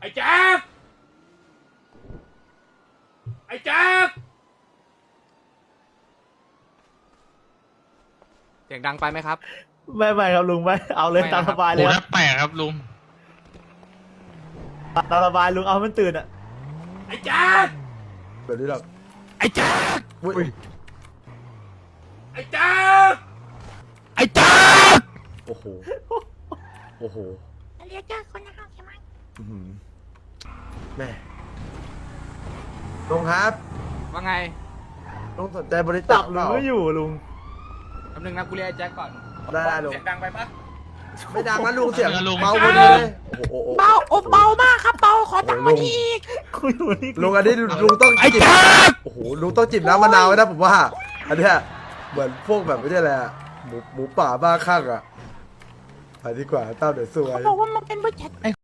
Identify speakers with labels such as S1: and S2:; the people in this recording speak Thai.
S1: อ้แจ๊คไอ้แจ๊คเสียงดังไปไหมครับ
S2: ไม่ครับลุงไม่เอาเลย
S1: ไม่
S2: ตาม
S1: นะครั
S2: ส
S1: บ
S2: บายเล
S3: โอ้
S2: ยค
S3: ถ้า
S2: รับ
S3: แปลกครับลุง
S2: ตามสบายลุงเอามันตื่นอ่ะ
S1: ไอ้แจ๊ค
S4: แบบนี้หรอก
S1: ไอ้แจ๊ค
S4: อุ้ย
S1: ไอ้แจ๊ค
S3: ไอ้จ้า
S4: โอ้โหโอ้โห
S5: เรียกเจ้าคนนะครับใช่ไหม
S4: อื้อหือแม่ลุงครับ
S1: ว่าไง
S4: ลุงสนใจบริจา
S2: จั
S4: ค
S2: บ
S4: เป
S2: ลุ
S4: ล่าง
S2: ไม่อยู่ลุง
S1: คำนึงนะกูเรียกไอ้แจ๊คก่อน
S4: ได้ลุง
S1: เสียงดังไปปะ
S4: ไม่ดังนะลุงเสียงเบาพอดีเลยโอ้โห
S5: เบาโอ้เบามากครับเบาขอตังค์มาทีอีก
S2: คุยอยู่นี่
S4: ลุงอันนี้ลุงต้องจิบโอ้โหลุงต้องจิบน้ำมะนาวไว้นะผมว่า อันเนี้ยเหมือนพวกแบบไม่ใช่อะไรอะหมูป่าบ้าคลั่งอะไปดีกว่าเต้าเดี๋ยวสวย
S5: เขาบอกว่ามันเป็นบริษัท
S3: ไอ้